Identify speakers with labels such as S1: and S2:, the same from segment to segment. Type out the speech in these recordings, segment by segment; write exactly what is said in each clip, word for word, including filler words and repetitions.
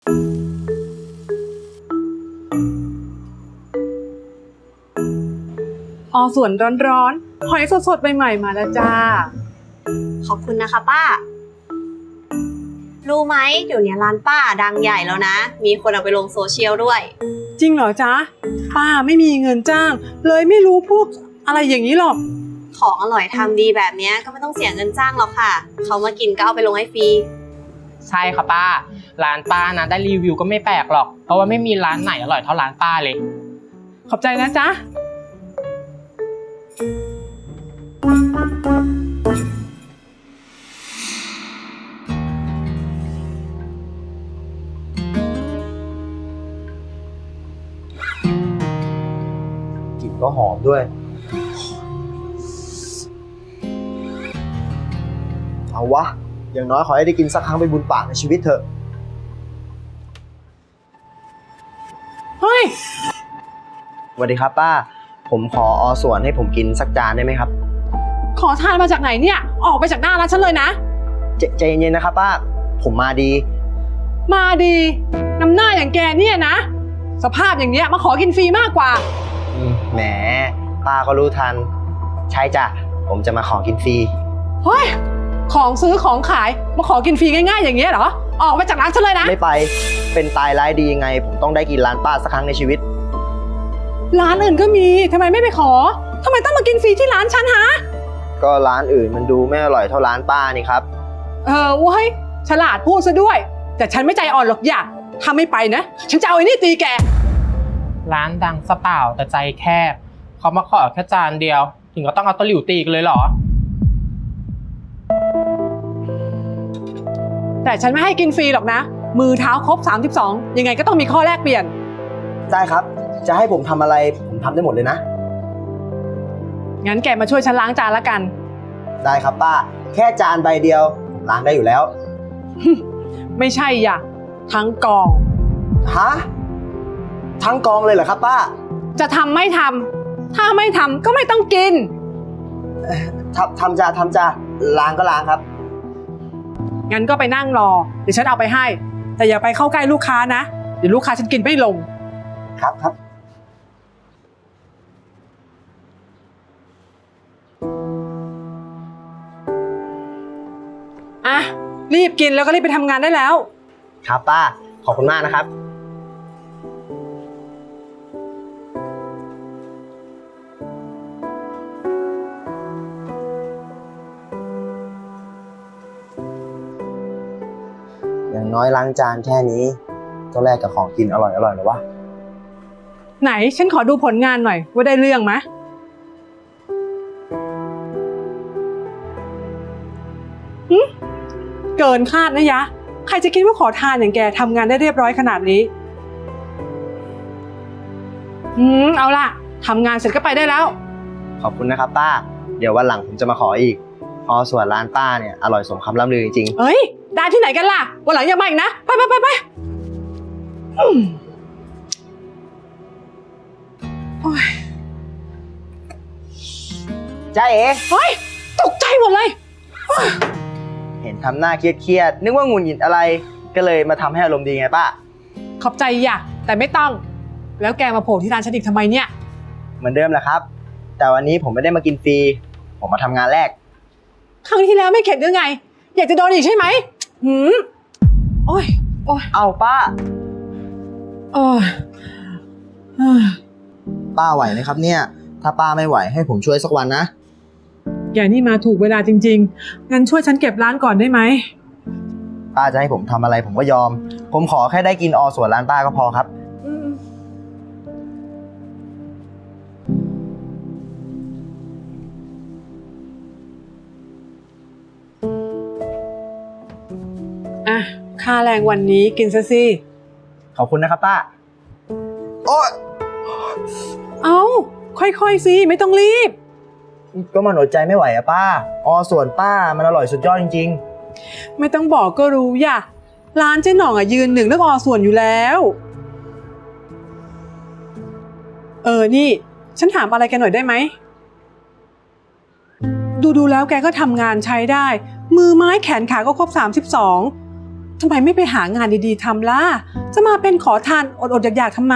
S1: ออส่วนร้อนๆหอยสดๆใหม่ๆมาแล้วจ้า
S2: ขอบคุณนะคะป้ารู้ไหมเดี๋ยวนี้ร้านป้าดังใหญ่แล้วนะมีคนเอาไปลงโซเชียลด้วย
S1: จริงเหรอจ๊ะป้าไม่มีเงินจ้างเลยไม่รู้พวกอะไรอย่างนี้หรอก
S2: ของอร่อยทำดีแบบนี้ก็ไม่ต้องเสียเงินจ้างหรอกค่ะเขามากินก็เอาไปลงให้ฟรี
S3: ใช่ค่ะป้าร้านป้านะได้รีวิวก็ไม่แปลกหรอกเพราะว่าไม่มีร้านไหนอร่อยเท่าร้านป้าเลย
S1: ขอบใจนะจ๊ะ
S4: กลิ่นก็หอมด้วยเอาวะอย่างน้อยขอให้ได้กินสักครั้งเป็นบุญปากในชีวิตเถอะ
S1: เฮ้ย
S4: สวัสดีครับป้าผมขออส่วนให้ผมกินสักจานได้ไหมครับ
S1: ขอทานมาจากไหนเนี่ยออกไปจากหน้าร้านฉันเลยนะ
S4: ใจใจเย็นๆนะครับป้าผมมาดี
S1: มาดีน้ำหน้าอย่างแกเนี่ยนะสภาพอย่างเนี้ยมาขอกินฟรีมากกว่า
S4: แหมป้าก็รู้ทันใช่จ้ะผมจะมาขอกินฟรี
S1: เฮ้ยของซื้อของขายมาขอกินฟรีง่ายๆอย่างเงี้ยเหรอออกไปจากร้านฉันเลยนะ
S4: ไม่ไปเป็นตายร้ายดียังไงผมต้องได้กินร้านป้าสักครั้งในชีวิต
S1: ร้านอื่นก็มีทำไมไม่ไปขอทำไมต้องมากินฟรีที่ร้านฉันฮะ
S4: ก็ร้านอื่นมันดูไม่อร่อยเท่าร้านป้านี่ครับ
S1: เออเว้ยฉลาดพูดซะด้วยแต่ฉันไม่ใจอ่อนหรอกอย่าถ้าไม่ไปนะฉันจะเอาไอ้นี่ตีแก
S3: ร้านดังซะเปล่าแต่ใจแคบเขามาขอแค่จานเดียวถึงก็ต้องเอาตะหลิวตีกันเลยเหรอ
S1: แต่ฉันไม่ให้กินฟรีหรอกนะมือเท้าครบสามสิบสองยังไงก็ต้องมีข้อแลกเปลี่ยน
S4: ได้ครับจะให้ผมทำอะไรผมทำได้หมดเลยนะ
S1: งั้นแกมาช่วยฉันล้างจานละกัน
S4: ได้ครับป้าแค่จานใบเดียวล้างได้อยู่แล้ว
S1: ไม่ใช่อย่ะทั้งกอง
S4: ฮะทั้งกองเลยเหรอครับป้า
S1: จะทำไม่ทำถ้าไม่ทำก็ไม่ต้องกิน
S4: ทำทำจ้าทำจ้าล้างก็ล้างครับ
S1: งั้นก็ไปนั่งรอเดี๋ยวฉันเอาไปให้แต่อย่าไปเข้าใกล้ลูกค้านะเดี๋ยวลูกค้าฉันกินไม่ลง
S4: ครับครับ
S1: อ่ะรีบกินแล้วก็รีบไปทำงานได้แล้ว
S4: ครับป้าขอบคุณมากนะครับอย่างน้อยล้างจานแค่นี้ก็แลกกับของกินอร่อยอร่อยหรอวะ
S1: ไหนฉันขอดูผลงานหน่อยว่าได้เรื่องไหมหึเกินคาดนะยะใครจะคิดว่าขอทานอย่างแกทำงานได้เรียบร้อยขนาดนี้อืมเอาล่ะทำงานเสร็จก็ไปได้แล้ว
S4: ขอบคุณนะครับป้าเดี๋ยววันหลังผมจะมาขออีกเพราะส่วนร้านป้าเนี่ยอร่อยสมคำล่ำลือจริง
S1: ๆเฮ้ยได้ที่ไหนกันล่ะวันหลังอย่ามาอีกนะไปไปไปไป
S4: จ้าเอ๋
S1: เฮ้ยตกใจหมดเลย
S4: เห็นทำหน้าเครียดๆนึกว่าหงุดหงิดอะไรก็เลยมาทำให้อารมณ์ดีไงป้า
S1: ขอบใจอย่าแต่ไม่ต้องแล้วแกมาโผล่ที่ร้านฉันอีกทำไมเนี่ย
S4: เหมือนเดิมแหละครับแต่วันนี้ผมไม่ได้มากินฟรีผมมาทำงานแรก
S1: ครั้งที่แล้วไม่เข็ดหรือไงอยากจะโดนอีกใช่ไหมหืมโอ้ยโอ้ย
S4: เอาป้า
S1: โอ้ย
S4: ป้าไหวไหมครับเนี่ยถ้าป้าไม่ไหวให้ผมช่วยสักวันนะ
S1: แกนี่มาถูกเวลาจริงๆงั้นช่วยฉันเก็บร้านก่อนได้ไหม
S4: ป้าจะให้ผมทำอะไรผมก็ยอมผมขอแค่ได้กินอส่วนร้านป้าก็พอครับ
S1: อ่ะค่าแรงวันนี้กินซะสิ
S4: ขอบคุณนะครับป้าโอ๊ย
S1: เอาค่อยๆสิไม่ต้องรีบ
S4: ก็มันอดใจไม่ไหวอะป้าอส่วนป้ามันอร่อยสุดยอดจริง
S1: ๆไม่ต้องบอกก็รู้อย่าร้านเจ๊หน่องอะยืนหนึ่งเรื่องอส่วนอยู่แล้วเออนี่ฉันถามอะไรแกหน่อยได้ไหมดูๆแล้วแกก็ทำงานใช้ได้มือไม้แขนขาก็ครบสามสิบสองทำไมไม่ไปหางานดีๆทำล่ะ จะมาเป็นขอทานอดๆอยากๆทำไม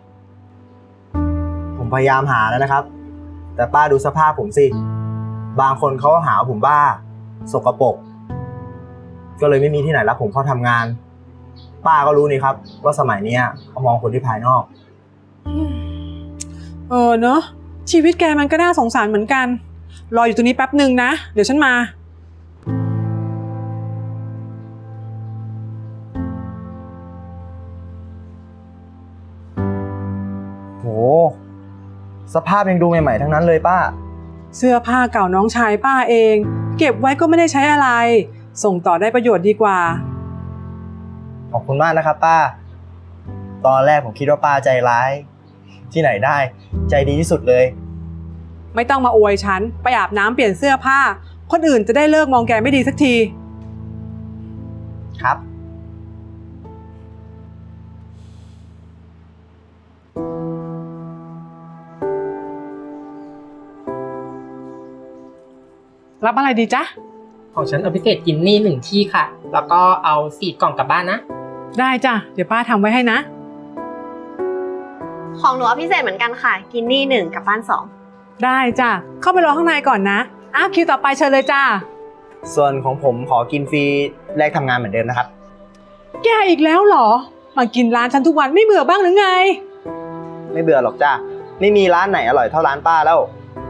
S4: ผมพยายามหาแล้วนะครับ แต่ป้าดูสภาพผมสิ บางคนเขาก็หาว่าผมบ้า สกปรก ก็เลยไม่มีที่ไหนรับผมเข้าทำงาน ป้าก็รู้นี่ครับ ว่าสมัยเนี้ยเขามองคนที่ภายนอก
S1: เออเนอะชีวิตแกมันก็น่าสงสารเหมือนกัน รออยู่ตรงนี้แป๊บหนึ่งนะ เดี๋ยวฉันมา
S4: โห สภาพยังดูใหม่ๆทั้งนั้นเลยป้า
S1: เสื้อผ้าเก่าน้องชายป้าเอง เก็บไว้ก็ไม่ได้ใช้อะไร ส่งต่อได้ประโยชน์ดีกว่า
S4: ขอบคุณมากนะครับป้า ตอนแรกผมคิดว่าป้าใจร้าย ที่ไหนได้ ใจดีที่สุดเลย
S1: ไม่ต้องมาอวยฉัน ไปอาบน้ำเปลี่ยนเสื้อผ้า คนอื่นจะได้เลิกมองแกไม่ดีสักที
S4: ครับ
S1: รับอะไรดีจ๊ะ
S3: ของฉันเอาพิเศษกินนี่หนึ่งที่ค่ะ แล้วก็เอาสี่กล่องกลับบ้านนะ
S1: ได้จ้ะ เดี๋ยวป้าทำไว้ให้นะ
S2: ของหนูเอาพิเศษเหมือนกันค่ะ กินนี่หนึ่งกับบ้านสอง
S1: ได้จ้ะ เข้าไปรอข้างในก่อนนะอ้าวคิวต่อไปเชิญเลยจ้า
S4: ส่วนของผมขอกินฟรีแลกทำงานเหมือนเดิมนะครับ
S1: แกอีกแล้วเหรอ มากินร้านฉันทุกวันไม่เบื่อบ้างหรือไง
S4: ไม่เบื่อหรอกจ้าไม่มีร้านไหนอร่อยเท่าร้านป้าแล้ว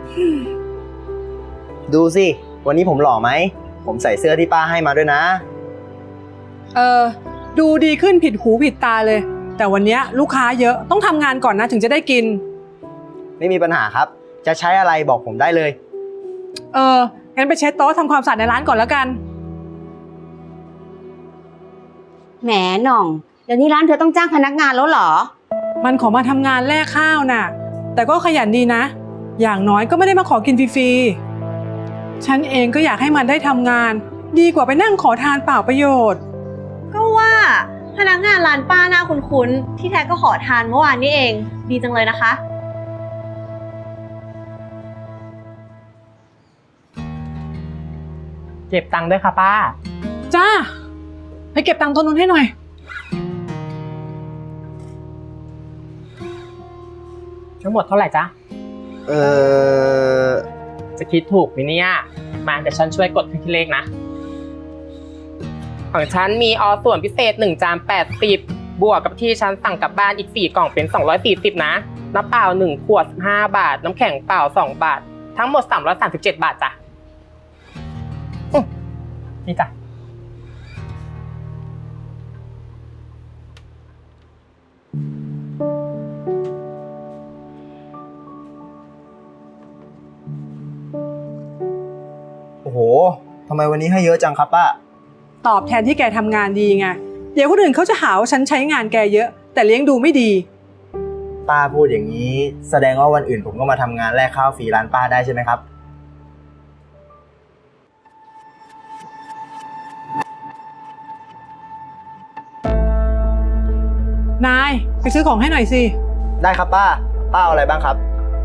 S4: ดูสิ วันนี้ผมหล่อไหม ผมใส่เสื้อที่ป้าให้มาด้วยนะ
S1: เออ ดูดีขึ้นผิดหูผิดตาเลย แต่วันเนี้ยลูกค้าเยอะต้องทำงานก่อนนะถึงจะได้กิน
S4: ไม่มีปัญหาครับ จะใช้อะไรบอกผมได้เลย
S1: เออ งั้นไปเช็ดโต๊ะทำความสะอาดในร้านก่อนแล้วกัน
S5: แหมหน่อง เดี๋ยวนี้ร้านเธอต้องจ้างพนักงานแล้วเหรอ
S1: มันขอมาทำงานแลกข้าวน่ะ แต่ก็ขยันดีนะ อย่างน้อยก็ไม่ได้มาขอกินฟรีๆ ฉันเองก็อยากให้มันได้ทำงาน ดีกว่าไปนั่งขอทานเปล่าประโยชน์
S2: ก็ว่าพนักงานร้านป้าหน้าคุ้นๆ ที่แท้ก็ขอทานเมื่อวานนี้เอง ดีจังเลยนะคะ
S3: เก็บตังค์ด้วยค่ะป้า
S1: จ้า ไปเก็บตังค์ตัวนู้นให้หน่อย
S3: ทั้งหมดเท่าไหร่จ๊ะ
S4: เออ
S3: จะคิดถูกไหมเนี่ย มาเดี๋ยวฉันช่วยกดที่เลขนะ ของฉันมีออส่วนพิเศษหนึ่งจานแปดสิบบวกกับที่ฉันสั่งกลับบ้านอีกสี่กล่องเป็นสองร้อยสี่สิบนะน้ำเปล่าหนึ่งขวดห้าบาท น้ำแข็งเปล่าสองบาท ทั้งหมดสามร้อยสามสิบเจ็ดบาทจ้ะอื้อนี่จ้ะ
S4: โอ้โหทำไมวันนี้ให้เยอะจังครับป้า
S1: ตอบแทนที่แกทำงานดีไง เดี๋ยวคนอื่นเขาจะหาว่าฉันใช้งานแกเยอะ แต่เลี้ยงดูไม่ดี
S4: ป้าพูดอย่างนี้ แสดงว่าวันอื่นผมก็มาทำงานแลกข้าวฟรีร้านป้าได้ใช่ไหมครับ
S1: นาย ไปซื้อของให้หน่อยสิ
S4: ได้ครับป้า ป้าเอาอะไรบ้างครับ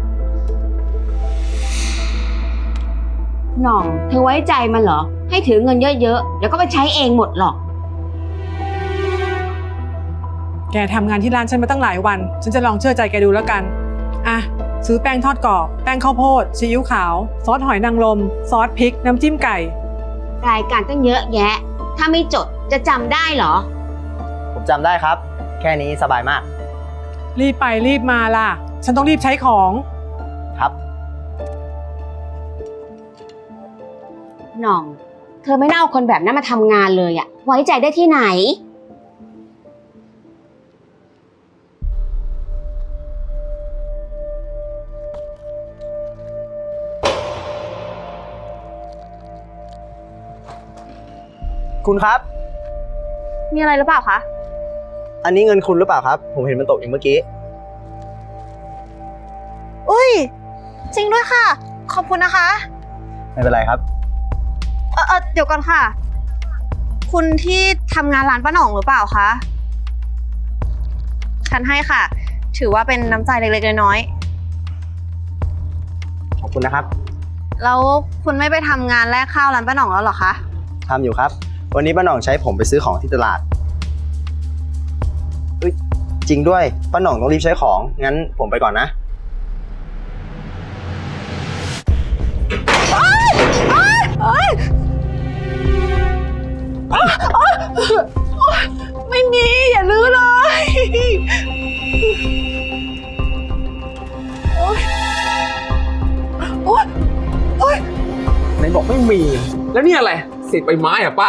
S5: หน่อง เธอไว้ใจมันเหรอ ให้ถือเงินเยอะๆ เดี๋ยวก็ไปใช้เองหมดหรอก
S1: แกทำงานที่ร้านฉันมาตั้งหลายวัน ฉันจะลองเชื่อใจแกดูแล้วกัน อ่ะ ซื้อแป้งทอดกรอบ แป้งข้าวโพด ซีอิ๊วขาว ซอสหอยนางรม ซอสพริก น้ำจิ้มไก่
S5: รายการตั้งเยอะแยะ ถ้าไม่จดจะจำได้เหรอ
S4: ผมจำได้ครับ แค่นี้สบายมาก
S1: รีบไปรีบมาล่ะ ฉันต้องรีบใช้ของ
S4: ครับ
S5: หน่อง เธอไม่น่าเอาคนแบบนั้นมาทำงานเลยอะไว้ใจได้ที่ไหน
S4: คุณครับ
S2: มีอะไรหรือเปล่าคะ
S4: อันนี้เงินคุณหรือเปล่าครับ ผมเห็นมันตกอยู่เมื่อกี้
S2: อุ้ย จริงด้วยค่ะ ขอบคุณนะคะ
S4: ไม่เป็นไรครับ
S2: เออเออเดี๋ยวก่อนค่ะ คุณที่ทำงานร้านป้าหน่องหรือเปล่าคะ ฉันให้ค่ะ ถือว่าเป็นน้ำใจเล็กๆน้อย
S4: ขอบคุณนะครับ
S2: ๆแล้วคุณไม่ไปทำงานแลกข้าวร้านป้าหน่องแล้วเหรอคะ
S4: ทำอยู่ครับวันนี้ป้าหน่องใช้ผมไปซื้อของที่ตลาดเอ้ยจริงด้วยป้าหน่องต้องรีบใช้ของงั้นผมไปก่อนนะ
S1: ไม่มี อย่าลื้อเลยโอ๊ยโอ๊ยโอ๊ย
S6: ไหนบอกไม่มี แล้วนี่อะไรเศษใบไม้เหรอะป้า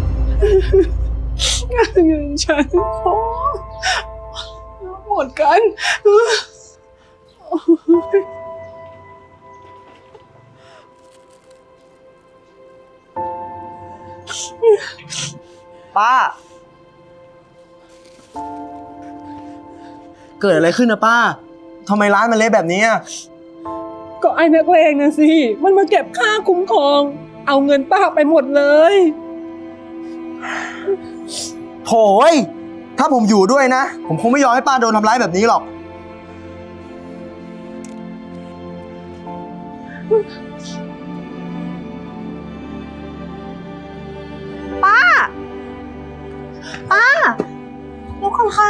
S1: เงินฉันขอหมดกัน
S4: ป้า เกิดอะไรขึ้นนะป้าทำไมร้านมันเละแบบนี้อะ
S1: ก็ไอ้นักเลงนะสิ มันมาเก็บค่าคุ้มครอง เอาเงินป้าไปหมดเลย
S4: โถ่เอ้ยถ้าผมอยู่ด้วยนะ ผมคงไม่ยอมให้ป้าโดนทำร้ายแบบนี้หรอก
S2: ป้า ป้าลุกก่อนค่ะ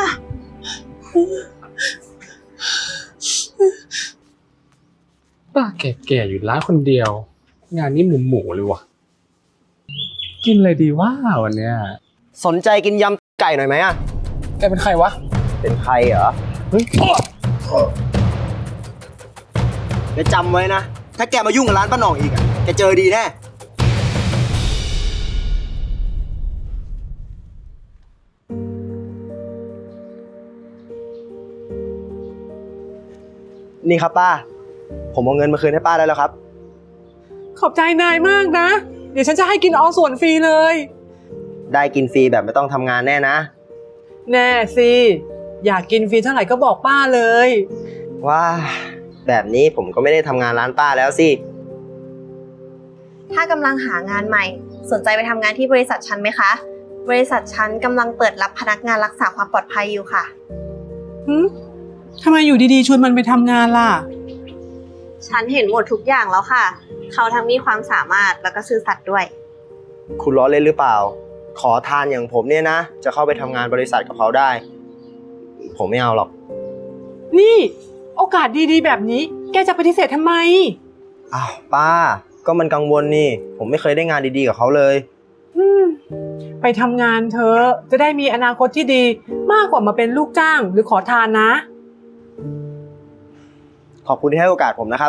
S6: ป้าแก่ๆอยู่ร้านคนเดียว งานนี้หมูหมูๆเลยวะกินอะไรดีว่าวันเนี้ย
S4: สนใจกินยำไก่หน่อยไหมอะ
S6: แกเป็นใครวะ
S4: เป็นใครเหรอ
S6: เฮ้ย
S4: แกจำไว้นะ ถ้าแกมายุ่งกับร้านป้าหน่องอีกอะแกเจอดีแน่ นี่ครับป้า ผมเอาเงินมาคืนให้ป้าได้แล้วครับ
S1: ขอบใจนายมากนะ เดี๋ยวฉันจะให้กินออส่วนฟรีเลย
S4: ได้กินฟรีแบบไม่ต้องทำงานแน่นะ
S1: แน่สิ อยากกินฟรีเท่าไหร่ก็บอกป้าเลย
S4: ว้า แบบนี้ผมก็ไม่ได้ทำงานร้านป้าแล้วสิ
S2: ถ้ากำลังหางานใหม่ สนใจไปทำงานที่บริษัทฉันไหมคะ บริษัทฉันกำลังเปิดรับพนักงานรักษาความปลอดภัยอยู่ค่ะ
S1: หืมทำไมอยู่ดีๆชวนมันไปทำงานล่ะ
S2: ฉันเห็นหมดทุกอย่างแล้วค่ะ เขาทั้งมีความสามารถแล้วก็ซื่อสัตย์ด้วย
S4: คุณล้อเล่นหรือเปล่า ขอทานอย่างผมเนี่ยนะ จะเข้าไปทำงานบริษัทกับเขาได้ ผมไม่เอาหรอก
S1: นี่ โอกาสดีๆแบบนี้ แกจะปฏิเสธทำไม
S4: อ้าวป้า ก็มันกังวลนี่ ผมไม่เคยได้งานดีๆกับเขาเลย
S1: อืม ไปทำงานเธอะจะได้มีอนาคตที่ดีมากกว่ามาเป็นลูกจ้างหรือขอทานนะ
S4: ขอบคุณที่ให้โอกาสผมนะครับ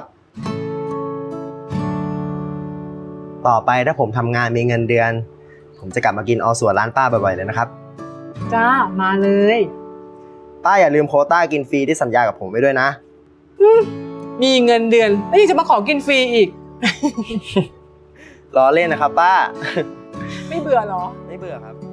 S4: ต่อไปถ้าผมทำงานมีเงินเดือน ผมจะกลับมากินออส่วนร้านป้าบ่อยๆเลยนะครับ
S1: จ้า มาเลย
S4: ป้าอย่าลืมโควต้ากินฟรีที่สัญญากับผมไว้ด้วยนะ
S1: มีเงินเดือนแล้วยังจะมาขอกินฟรีอีก
S4: ล้อเล่นนะครับป้า
S1: ไม่เบื่อเหรอ
S4: ไม่เบื่อครับ